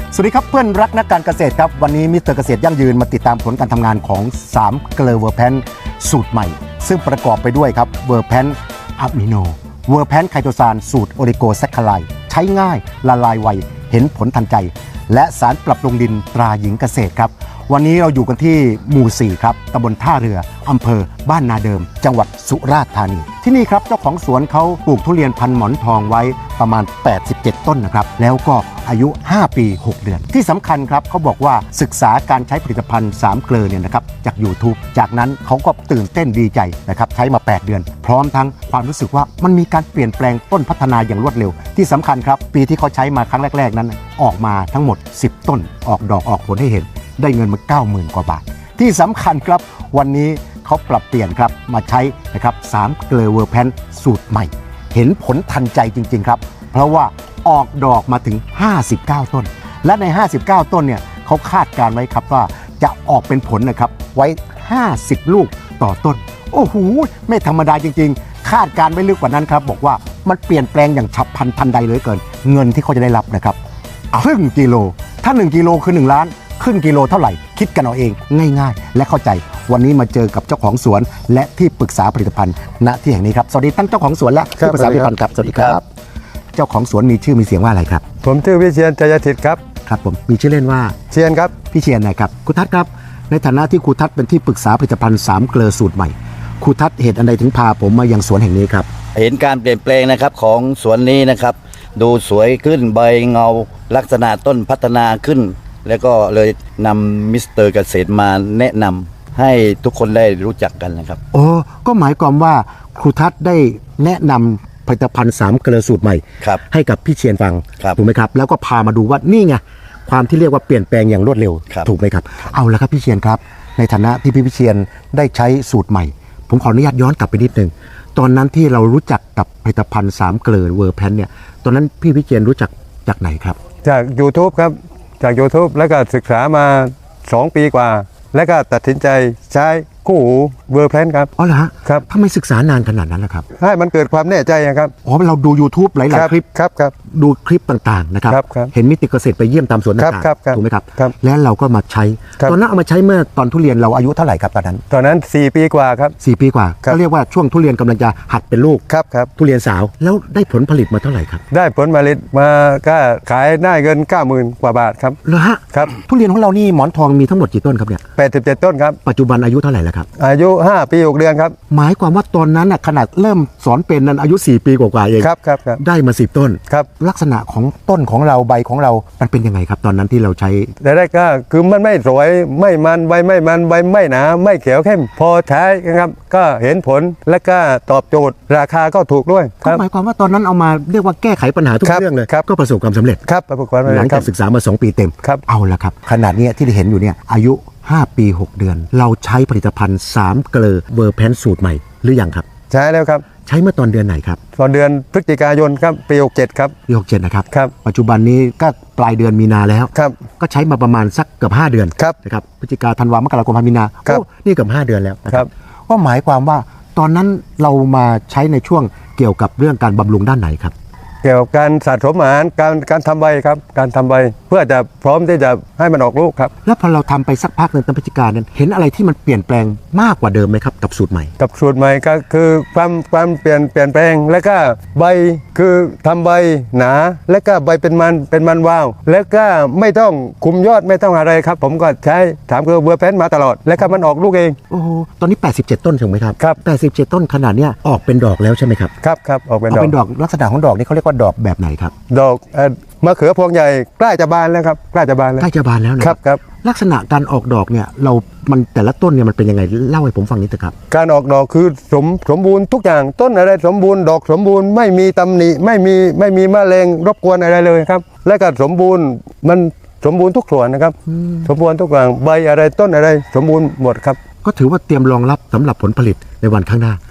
สวัสดีครับเพื่อนรักนักการเกษตรครับวันนี้มิสเตอร์เกษตรยั่งยืนมาติดตามผลการทำงานของ3เกลือเวอร์แพนสูตรใหม่ซึ่งประกอบไปด้วยครับเวอร์แพนอะมิโนเวอร์แพนไคโตซานสูตรโอลิโกแซคคาไลใช้ง่ายละลายไวเห็นผลทันใจและสารปรับปรุงดินตราหญิงเกษตรครับวันนี้เราอยู่กันที่หมู่4ครับตำบลท่าเรืออำเภอบ้านนาเดิมจังหวัดสุราษฎร์ธานีที่นี่ครับเจ้าของสวนเขาปลูกทุเรียนพันหมอนทองไว้ประมาณ87ต้นนะครับแล้วก็อายุ5ปี6เดือนที่สำคัญครับเขาบอกว่าศึกษาการใช้ผลิตภัณฑ์3เกลือเนี่ยนะครับจาก YouTube จากนั้นเขาก็ตื่นเต้นดีใจนะครับใช้มา8เดือนพร้อมทั้งความรู้สึกว่ามันมีการเปลี่ยนแปลงต้นพัฒนาอย่างรวดเร็วที่สำคัญครับปีที่เขาใช้มาครั้งแรกๆนั้นออกมาทั้งหมด10ต้นออกดอกออกผลให้เห็นได้เงินมา 90,000 กว่าบาทที่สำคัญครับวันนี้เขาปรับเปลี่ยนครับมาใช้นะครับ3เกลือเวอร์แพนสูตรใหม่เห็นผลทันใจจริงๆครับเพราะว่าออกดอกมาถึง59ต้นและใน59ต้นเนี่ยเขาคาดการไว้ครับว่าจะออกเป็นผลนะครับไว้50ลูกต่อต้นโอ้โหไม่ธรรมดาจริงๆคาดการไว้ลึกกว่านั้นครับบอกว่ามันเปลี่ยนแปลงอย่างฉับพลันทันใดเลยเกินเงินที่เขาจะได้รับนะครับครึ่งกิโลถ้า1กิโลคือ1ล้านครึ่งกิโลเท่าไหร่คิดกันเอาเองง่ายๆและเข้าใจวันนี้มาเจอกับเจ้าของสวนและที่ปรึกษาผลิตภัณฑ์ณที่แห่งนี้ครับสวัสดีท่านเจ้าของสวนและที่ปรึกษาผลิตภัณฑ์ครับสวัสดีครับเจ้าของสวนมีชื่อมีเสียงว่าอะไรครับผมชื่อวิเชียรชัยทิตครับครับผมมีชื่อเล่นว่าเชียรครับพี่เชียรนะครับครูทัศน์ครับในฐานะที่ครูทัศน์เป็นที่ปรึกษาผลิตภัณฑ์3เกลือสูตรใหม่ครูทัศน์เหตุอันใดถึงพาผมมายังสวนแห่งนี้ครับเห็นการเปลี่ยนแปลงนะครับของสวนนี้นะครับดูสวยขึ้นใบเงาลักษณะต้นพัฒนาขึ้นแล้วก็เลยนำมิสเตอร์เกษตรมาแนะนำให้ทุกคนได้รู้จักกันนะครับโอ้ก็หมายความว่าครูทัศน์ได้แนะนำผลิตภัณฑ์3เกลือสูตรใหม่ให้กับพี่เชียรฟังถูกไหมครับแล้วก็พามาดูว่านี่ไงความที่เรียกว่าเปลี่ยนแปลงอย่างรวดเร็วถูกไหมครับเอาละครับพี่เชียรครับในฐานะที่พี่เชียรได้ใช้สูตรใหม่ผมขออนุญาตย้อนกลับไปนิดนึงตอนนั้นที่เรารู้จักกับผลิตภัณฑ์3เกลือเวอร์แพนเนี่ยตอนนั้นพี่เชียรรู้จักจากไหนครับจาก YouTube ครับจาก YouTube แล้วก็ศึกษามา2ปีกว่าแล้วก็ตัดสินใจใช้คู่หูเวอร์แพนครับอ๋อเหรอฮะครับทำไมศึกษานานขนาดนั้นล่ะครับให้มันเกิดความแน่ใจครับอ๋อเราดู YouTube หลายๆคลิปครับดูคลิปต่างๆนะครับเห็นมิตรเกษตรไปเยี่ยมตามสวนต่างๆถูกไหมครับแล้วเราก็มาใช้ตอนนั้นเอามาใช้เมื่อตอนทุเรียนเราอายุเท่าไหร่ครับตอนนั้น4ปีกว่าครับ 4ปีกว่าก็เรียกว่าช่วงทุเรียนกำลังจะหัดเป็นลูกครับทุเรียนสาวแล้วได้ผลผลิตมาเท่าไหร่ครับได้ผลผลิตมาก็ขายได้เงิน 90,000 กว่าบาทครับเหรอฮะครับทุเรียนของเรานี่หมอนทองมีทั้งหมดกี่ต้นครับเนี่ย 87ต้นครับปัจจุบันอายุเท่าไหร่แล้วครับอายุ5ปี6เดือนครับหมายความว่าตอนนั้นขนาดเริ่มสอนเป็นนั้นอายุ4ปีกว่าๆเองครับได้มา10ต้นครับลักษณะของต้นของเราใบของเรามันเป็นยังไงครับตอนนั้นที่เราใช้แต่แรกก็คือมันไม่สวยไม่มันใบไม่มันใบไม่หนาไม่เขียวเข้มพอใช้นะครับก็เห็นผลและก็ตอบโจทย์ราคาก็ถูกด้วยก็หมายความว่าตอนนั้นเอามาเรียกว่าแก้ไขปัญหาทุกเรื่องเลยก็ประสบความสำเร็จครับประสบความสำเร็จหลังจากศึกษามา2ปีเต็มเอาละครับขนาดนี้ที่เห็นอยู่เนี่ยอายุ5ปี6เดือนเราใช้ผลิตภัณฑ์3เกลือเวอร์แพนสูตรใหม่หรือยังครับใช้แล้วครับใช้เมื่อตอนเดือนไหนครับตอนเดือนพฤศจิกายนครับปี67ครับปี67นะครับครับปัจจุบันนี้ก็ปลายเดือนมีนาแล้วครับก็ใช้มาประมาณสักเกือบ5เดือนนะครับพฤศจิกาธันวามกราคมมีนาโอ้นี่เกือบ5เดือนแล้วครับก็หมายความว่าตอนนั้นเรามาใช้ในช่วงเกี่ยวกับเรื่องการบำรุงด้านไหนครับเกี่ยวกับการสะสมอาหารการทำใบครับการทำใบเพื่อจะพร้อมที่จะให้มันออกลูกครับแล้วพอเราทำไปสักพักหนึ่งตั้งพฤศจิกายนนั้นเห็นอะไรที่มันเปลี่ยนแปลงมากกว่าเดิมไหมครับกับสูตรใหม่กับสูตรใหม่ก็คือความเปลี่ยนแปลงแล้วก็ใบคือทำใบหนาแล้วก็ใบเป็นมันวาวแล้วก็ไม่ต้องคุมยอดไม่ต้องอะไรครับผมก็ใช้ถามคือเวอร์แพนมาตลอดแล้วก็มันออกลูกเองโอ้โหตอนนี้87ต้นถูกไหมครับครับ 87ต้นขนาดเนี้ยออกเป็นดอกแล้วใช่ไหมครับครับออกเป็นดอกลักษณะของดอกนี่เขาเรียกว่าดอกแบบไหนครับดอกมะเขือพวงใหญ่ใกล้จะบานแล้วครับใกล้จะบานแล้วนะครับลักษณะการออกดอกเนี่ยมันแต่ละต้นเนี่ยมันเป็นยังไงเล่าให้ผมฟังนิดเถอะครับการออกดอกคือสมบูรณ์ทุกอย่างต้นอะไรสมบูรณ์ดอกสมบูรณ์ไม่มีตำหนิไม่มีแมลงรบกวนอะไรเลยครับและก็สมบูรณ์มันสมบูรณ์ทุกส่วนนะครับสมบูรณ์ทุกอย่างใบอะไรต้นอะไรสมบูรณ์หมดครับก็ถือว่าเตรียมรองรับสำหรับผลผลิตในวันข้างหน้าครับ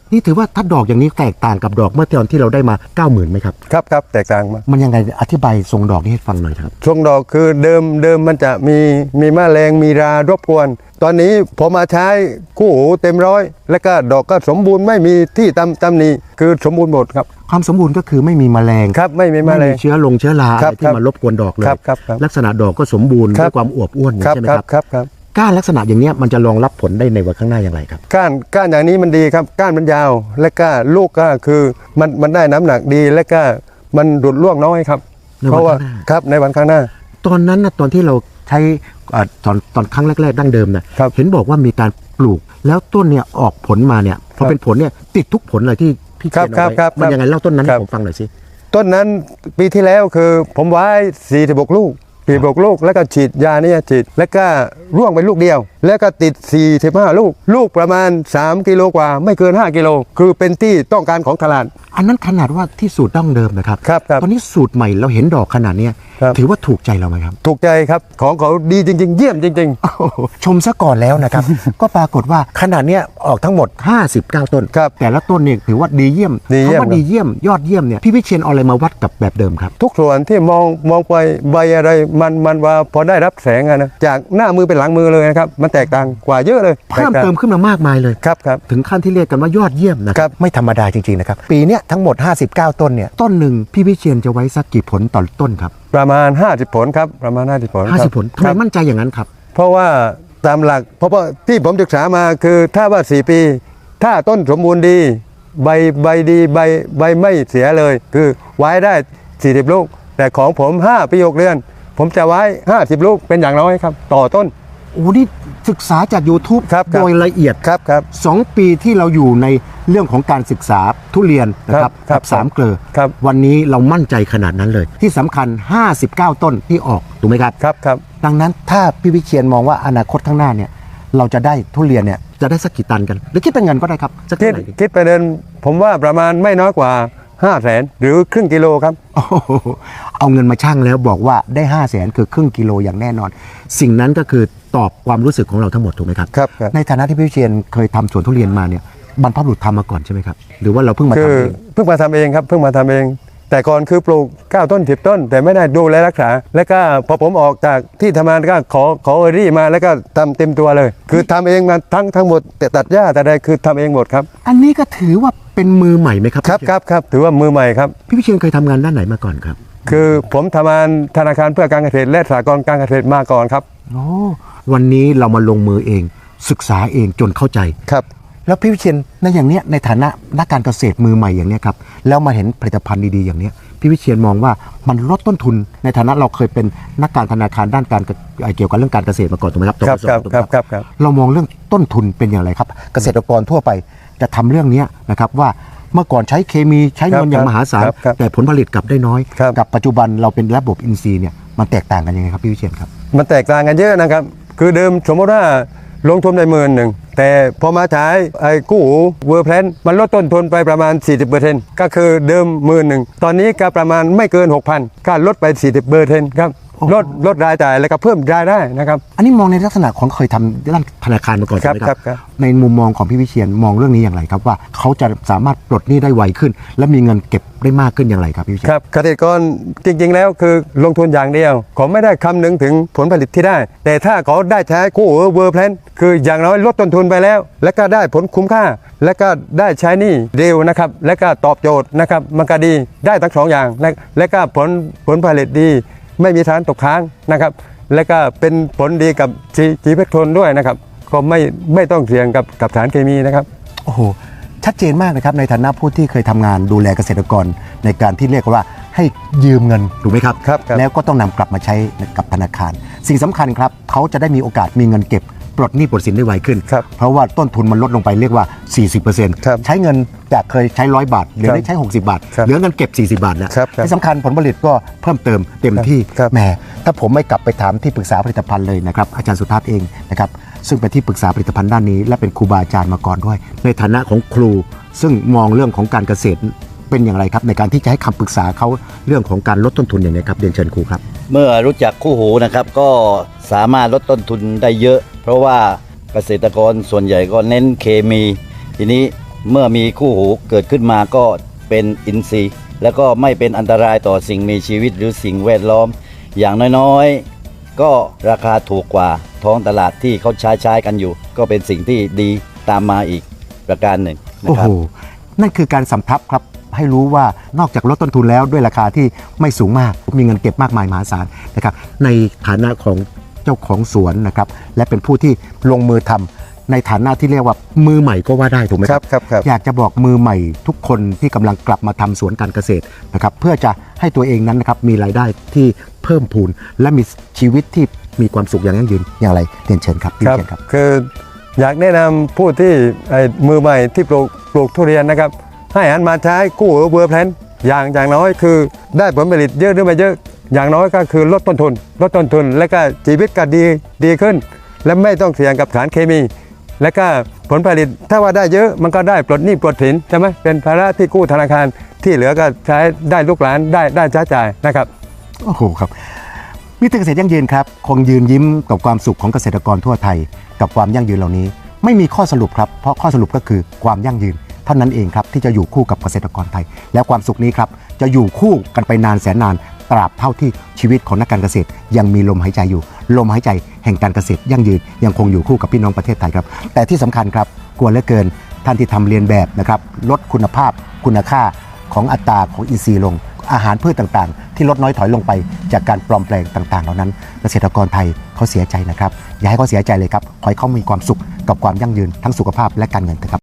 นี่ถือว่าถ้าดอกอย่างนี้แตกต่างกับดอกเมื่อตอนที่เราได้มา 90,000ไหมครับครับครับแตกต่างมากมันยังไงอธิบายทรงดอกนี้ให้ฟังหน่อยครับช่วงดอกคือเดิมมันจะมีแมลงมีรารบกวน ตอนนี้พอมาใช้คู่หูเต็มร้อย แล้วก็ดอกก็สมบูรณ์ไม่มีที่ตำหนิคือสมบูรณ์หมดครับความสมบูรณ์ก็คือไม่มีแมลงครับไม่มีแมลงเชื้อราอะครัไรบที่มารบกวนดอกเลยครับลักษณะดอกก็สมบูรณ์ครับด้วยความอวบอ้วนอย่างนี้ใช่ไหมครับครับก้านลักษณะอย่างเนี้ยมันจะรองรับผลได้ในวันข้างหน้าอย่างไรครับก้านอย่างนี้มันดีครับก้านมันยาว และก็ลูกก็คือมันได้น้ำหนักดีและก็มันดุดร่วงน้อยครับในวันเพราะว่าข้างหน้าครับในวันข้างหน้าตอนนั้นนะตอนที่เราใช้ตอนครั้งแรกๆดั้งเดิมนะครับ เห็นบอกว่ามีการปลูก แล้วต้นเนี่ยออกผลมาเนี่ยพอเป็นผลเนี่ยติดทุกผลเลยที่พี่เขียนเอาไว้ครับมันยังไงเล่าต้นนั้นครัให้บผมฟังหน่อยสิต้นนั้นปีที่แล้วคือผมไว้46ลูกลูกแล้วก็ฉีดยาเนี่ยฉีดแล้วก็ร่วงไปลูกเดียว แล้วก็ติด45ลูกประมาณ3กิโลกว่าไม่เกิน5กิโลคือเป็นที่ต้องการของตลาดอันนั้นขนาดว่าที่สูตรดั้งเดิมนะครับครับตอนนี้สูตรใหม่เราเห็นดอกขนาดเนี้ยครับถือว่าถูกใจเราไหมครับถูกใจครับของเขาดีจริง ๆ เยี่ยมจริงโอ้โหชมซะก่อนแล้วนะครับ ก็ปรากฏว่าขนาดเนี้ยออกทั้งหมด 59 ต้นครับแต่ละต้นเนี่ยถือว่าดีเยี่ยมดีเยี่ยมคำว่าดีเยี่ยมยอดเยี่ยมเนี่ยพี่วิเชียนเอาอะไรมาวัดกับแบบเดิมครับทุกส่วนที่มองไปใบอะไรมันว่าพอได้รับแสงอะนะจากหน้ามือเป็นหลังมือเลยนะครับมันแตกต่างกว่าเยอะเลยเพิ่มเติมขึ้นมามากมายเลยครับถึงขั้นที่เรียกกันว่ายอดเยี่ยมนะคครัรับบ ไม่ธรรมดาจริงๆนะครับปีเนี้ยทั้งหมด 59 ต้นเนี่ยต้นหนึ่งพี่วิเชียนจะไว้สักกี่ผลต่อต้นครับประมาณ50ผลครับประมาณ50ผลครับ 50 ผลทำไมครับมั่นใจอย่างนั้นครับเพราะว่าตามหลักเพราะว่าที่ผมศึกษามาคือถ้าว่า4 ปี ถ้าต้นสมบูรณ์ดีใบดีใบไม่เสียเลย คือไว้ได้40ลูก แต่ของผม5 ปี 6 เดือน ผมจะไว้50ลูกเป็นอย่างน้อยครับต่อต้นโอ้นี่ศึกษาจาก YouTube ครับโดยละเอียดครับ 2 ปีที่เราอยู่ในเรื่องของการศึกษาทุเรียนนะครับครับกับ3เกลอครับวันนี้เรามั่นใจขนาดนั้นเลย ที่สำคัญ 59 ต้นที่ออกถูกไหมครับครับดังนั้นถ้าพี่วิเชียนมองว่าอนาคตข้างหน้าเนี่ยเราจะได้ทุเรียนเนี่ยจะได้สักกี่ตันกัน หรือคิดเป็นเงินก็ได้ครับสักคิเท่าดไหร่ดีคิดไปเดินผมว่าประมาณไม่น้อยกว่า500,000หรือครึ่งกิโลครับโอ้โหเอาเงินมาชั่งแล้วบอกว่าได้ 500,000 คือครึ่งกิโลอย่างแน่นอน สิ่งนั้นก็คือตอบความรู้สึกของเราทั้งหมดถูกไหมครับครับในฐานะที่พี่วิเชียนเคยทำสวนทุเรียนมาเนี่ยบรรพบุรุษทำมาก่อนใช่ไหมครับหรือว่าเราเพิ่งมาคืทำอเองเพิ่งมาทำเองครับเพิ่งมาทำเอง แต่ก่อนคือปลูก9 ต้น 10 ต้น แต่ไม่ได้ดูแลรักษา แล้วก็พอผมออกจากที่ทำงานก็ขอเออรี่มาแล้วก็ทำเต็มตัวเลย คือทำเองมาทั้งหมดแต่ตัดหญ้าแต่ใดคือทำเองหมดครับอันนี้ก็ถือว่าเป็นมือใหม่ไหมครับครับถือว่ามือใหม่ครับพี่วิเชียนเคยทำงานด้านไหนมาก่อนครับคือผมทำงานธนาคารเพื่อการเกษตรและสหกรณ์การเกษตรมาก่อนครับโอ้วันนี้เรามาลงมือเอง ศึกษาเองจนเข้าใจครับแล้วพี่วิเชียนในอย่างเนี้ยในฐานะนักการเกษตรมือใหม่อย่างเนี้ยครับแล้วมาเห็นผลิตภัณฑ์ดีๆอย่างเนี้ยพี่วิเชียนมองว่ามันลดต้นทุนในฐานะเราเคยเป็นนักการธนาคารด้านการเกี่ยวกับเรื่องการเกษตรมาก่อนถูกไหมครับครับถูกไหมครับเรามองเรื่องต้นทุนเป็นอย่างไรครับ เกษตรกรทั่วไปจะทำเรื่องเนี้ยนะครับว่าเมื่อก่อนใช้เคมีใช้เงินอย่างมหาศาลครับแต่ผลผลิตกลับได้น้อยครับกับปัจจุบันเราเป็นระบบอินทรีย์เนี่ยมันแตกต่างกันยังไงครับพี่วิเชียนครับมันแตกต่างกันเยอะนะครับ คือเดิมสมมติว่าลงทุนได้10,000แต่พอมาใช้ไอ้กู้หูเวอร์แพลนมันลดต้นทุนไปประมาณ 40%ก็คือเดิม10,000ตอนนี้ก็ประมาณไม่เกิน 6,000ก็ลดไป 40%ครับลดรายจ่ายแล้วก็เพิ่มรายได้นะครับอันนี้มองในลักษณะของเคยทำด้านธนาคารมาก่อนใช่ไหมคครัรับบ ครับในมุมมองของพี่วิเชียนมองเรื่องนี้อย่างไรครับว่าเขาจะสามารถปลดหนี้ได้ไวขึ้น และมีเงินเก็บได้มากขึ้นอย่างไรครับพี่วิเชียนครับเกษตรกรจริงๆแล้วคือลงทุนอย่างเดียวเขาไม่ได้คำนึงถึงผลผลิตที่ได้ แต่ถ้าเขาได้ใช้กู้หูเวอร์แพลนคืออย่างน้อยลดต้นทุนไปแล้ว และก็ได้ผลคุ้มค่า และก็ได้ใช้หนี้เร็วนะครับและก็ตอบโจทย์นะครับมันก็ดีได้ทั้งสองอย่างและก็ผลผลิตดี ไม่มีสารตกค้างนะครับและก็เป็นผลดีกับชีวิตคนด้วยนะครับก็ไม่ต้องเสี่ยงกับสารเคมีนะครับโอ้โหชัดเจนมากนะครับในฐานะผู้ที่เคยทำงานดูแลเกษตรกรในการที่เรียกว่าให้ยืมเงินถูกไหมครับครับแล้วก็ต้องนำกลับมาใช้กับธนาคาร สิ่งสำคัญครับเขาจะได้มีโอกาสมีเงินเก็บปลดหนี้ปลดสินได้ไวขึ้นครับเพราะว่าต้นทุนมันลดลงไปเรียกว่าครับ 40%ใช้เงินจากเคยใช้100 บาทเหลือได้ใช้60 บาทครับเหลือเงินเก็บ40 บาทแล้วครับที่สำคัญผลผลิตก็เพิ่มเติมเต็มที่ครับแหมถ้าผมไม่กลับไปถามที่ปรึกษาผลิตภัณฑ์เลยนะครับอาจารย์สุทัศน์เองนะครับซึ่งเป็นที่ปรึกษาผลิตภัณฑ์ด้านนี้และเป็นครูบาอาจารย์มาก่อนด้วย ในฐานะของครูซึ่งมองเรื่องของการเกษตรเป็นอย่างไรครับในการที่จะให้คำปรึกษาเขาเรื่องของการลดต้นทุนอย่างไรครับเรียนเชิญครูครับเมื่อรู้จักคู่หูนะครับก็สามารถลดต้นทุนได้เยอะ เพราะว่าเกษตรกรส่วนใหญ่ก็เน้นเคมี ทีนี้เมื่อมีคู่หูเกิดขึ้นมาก็เป็นอินทรีย์ แล้วก็ไม่เป็นอันตรายต่อสิ่งมีชีวิตหรือสิ่งแวดล้อม อย่างน้อยๆก็ราคาถูกกว่าท้องตลาดที่เขาใช้กันอยู่ ก็เป็นสิ่งที่ดีตามมาอีกประการหนึ่งนะโอ้ครัโหบนั่นคือการสำทับครับให้รู้ว่านอกจากลดต้นทุนแล้วด้วยราคาที่ไม่สูงมากมีเงินเก็บมากมายมหาศาลนะครับในฐานะของเจ้าของสวนนะครับและเป็นผู้ที่ลงมือทำในฐานะที่เรียกว่ามือใหม่ก็ว่าได้ถูกไหมครับครับอยากจะบอกมือใหม่ทุกคนที่กำลังกลับมาทำสวนการเกษตรนะครับเพื่อจะให้ตัวเองนั้นนะครับมีรายได้ที่เพิ่มพูนและมีชีวิตที่มีความสุขอย่างยั่งยืนอย่างไรเรียนเชิญครับครับเชิญครับคืออยากแนะนำผู้ที่มือใหม่ที่ปลูกทุเรียนนะครับให้หันมาใช้คู่หูเวอร์แพลนอย่างน้อยคือได้ผลผลิตเยอะหรือไม่เยอะอย่างน้อยก็คือลดต้นทุนและก็ชีวิตก็ดีขึ้น และไม่ต้องเสี่ยงกับสารเคมี และก็ผลผลิตถ้าว่าได้เยอะมันก็ได้ปลดหนี้ปลดสินใช่ไหมเป็นภาระที่กู้ธนาคารที่เหลือก็ใช้ได้ลูกหลานได้ใช้จ่ายนะครับโอ้โหครับมิตรเกษตรยั่งยืนครับคงยืนยิ้มกับความสุขของเกษตรกรทั่วไทยกับความยั่งยืนเหล่านี้ ไม่มีข้อสรุปครับเพราะข้อสรุปก็คือความยั่งยืนเท่านั้นเองครับที่จะอยู่คู่กับเกษตรกรไทย และความสุขนี้ครับจะอยู่คู่กันไปนานแสนนานตราบเท่าที่ชีวิตของนักการเกษตรยังมีลมหายใจอยู่ลมหายใจแห่งการเกษตรยั่งยืนยังคงอยู่คู่กับพี่น้องประเทศไทยครับแต่ที่สำคัญครับกลัวเหลือเกินท่านที่ทำเรียนแบบนะครับลดคุณภาพคุณค่าของอัตราของอินทรีย์ลง อาหารพืชต่างๆ ที่ลดน้อยถอยลงไปจากการปลอมแปลงต่างๆ เหล่านั้นเกษตรกรไทยเขาเสียใจนะครับอย่าให้เขาเสียใจเลยครับขอให้เขามีความสุขกับความยั่งยืนทั้งสุขภาพและการเงินนะครับ